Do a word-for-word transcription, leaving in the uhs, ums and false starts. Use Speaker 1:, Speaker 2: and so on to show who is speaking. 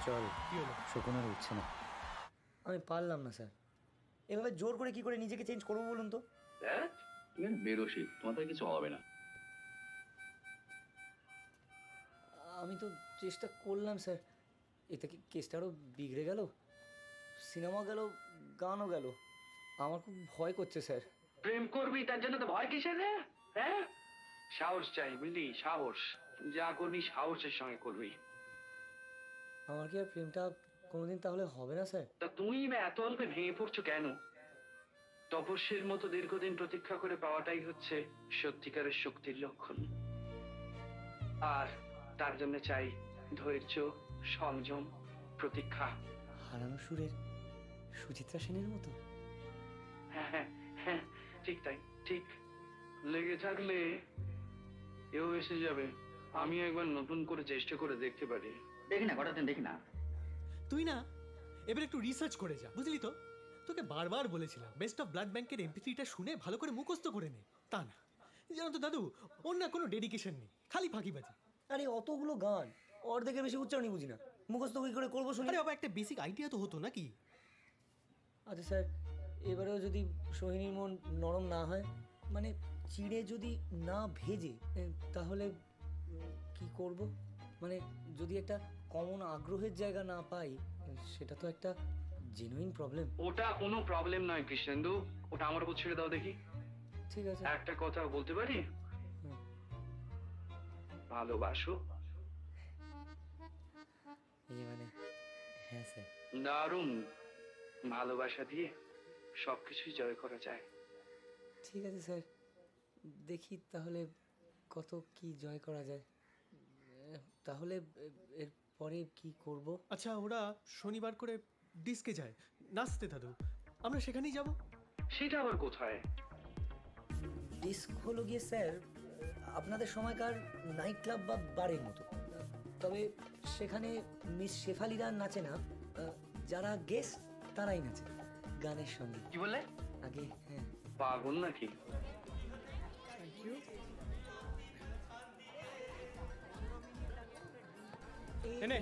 Speaker 1: চল।
Speaker 2: কি হলো?
Speaker 1: শকুন আর উঠছে না। আমি পারলাম না স্যার, এভাবে জোর করে কি করে নিজেকে চেঞ্জ করবো বলুন তো?
Speaker 3: হ্যাঁ, তুমি বেরোসি, তোমাদের কিছু হবে না।
Speaker 1: আমি তো চেষ্টা করলাম স্যার, এতে কি কেসটা আরও বিগড়ে গেল? সিনেমা গেল, গানও গেল। আমার খুব ভয় করছে স্যার।
Speaker 3: প্রেম করবি তার জন্য তো ভয় কিসের রে? হ্যাঁ, সাহস চাই বুঝলি, সাহস। যা করবি সাহসের সঙ্গে করবি।
Speaker 1: আমার কি আর প্রেমটা কোনোদিন তাহলে হবে না স্যার?
Speaker 3: তা তুমি বা এত অল্পে ভেঙে পড়ছো কেন? তপস্যের মতো দীর্ঘদিন প্রতীক্ষা করে পাওয়াটাই হচ্ছে সত্যিকারের শক্তির লক্ষণ। আর তার জন্য চাই ধৈর্য, সংযম, প্রতীক্ষা।
Speaker 1: হারানো সুরের সুচিত্রা সেনের মতো।
Speaker 3: হ্যাঁ হ্যাঁ হ্যাঁ, ঠিক তাই, ঠিক। লেগে থাকলে এও এসে যাবে। আমি একবার নতুন করে চেষ্টা করে দেখতে পারি। দেখি না, কটা দিন দেখি না।
Speaker 2: তুই না এবার একটু রিসার্চ করে যা, বুঝলি তো? তোকে বারবার বলেছিলাম বেস্ট অফ ব্লাড ব্যাংকের এমপি থ্রিটা শুনে ভালো করে মুখস্থ করে নে। তা না, জানো তো দাদু, ওর না কোনো ডেডিকেশন নেই, খালি ফাঁকিবাজি।
Speaker 1: আরে অতগুলো গান, অর্ধেকের বেশি উচ্চারণই বুঝি না, মুখস্থ কী করে করবো শুনি?
Speaker 2: আরে বাবা, একটা বেসিক আইডিয়া তো হতো নাকি?
Speaker 1: আচ্ছা স্যার, এবারেও যদি সোহিনীর মন নরম না হয়, মানে চিড়ে যদি না ভেজে, এ, তাহলে উম, কি করব? মানে যদি একটা কমন আগ্রহের জায়গা না পাই, সেটা তো একটা জেনুইন প্রবলেম।
Speaker 3: ওটা কোনো প্রবলেম নয় কৃষ্ণেন্দু, ওটা আমার উপর ছেড়ে দাও দেখি।
Speaker 1: ঠিক আছে।
Speaker 3: একটা কথা বলতে পারি?
Speaker 1: হুম।
Speaker 3: ভালোবাসো?
Speaker 1: এই মানে হ্যাঁ স্যার।
Speaker 3: দারুণ। ভালোবাসা দিয়ে সবকিছুই জয় করা যায়।
Speaker 1: ঠিক আছে স্যার, দেখি তাহলে কত কি জয় করা যায়। এ, তাহলে এ, এর পরে কি করব?
Speaker 2: আচ্ছা, ওরা শনিবার করে ডিস্কে যায় নাচতে দাদু, আমরা সেখানেই যাব।
Speaker 3: সেটা আবার কোথায়?
Speaker 1: ডিস্ক হলো গিয়ে স্যার আপনাদের সময়কার নাইট ক্লাব বা বারের মতো, তবে সেখানে মিস শেফালিরা নাচে না, যারা গেস্ট তারাই নাচে গানের সঙ্গে।
Speaker 3: কি বললে?
Speaker 1: আগে হ্যাঁ।
Speaker 3: পাগল নাকি?
Speaker 2: এনে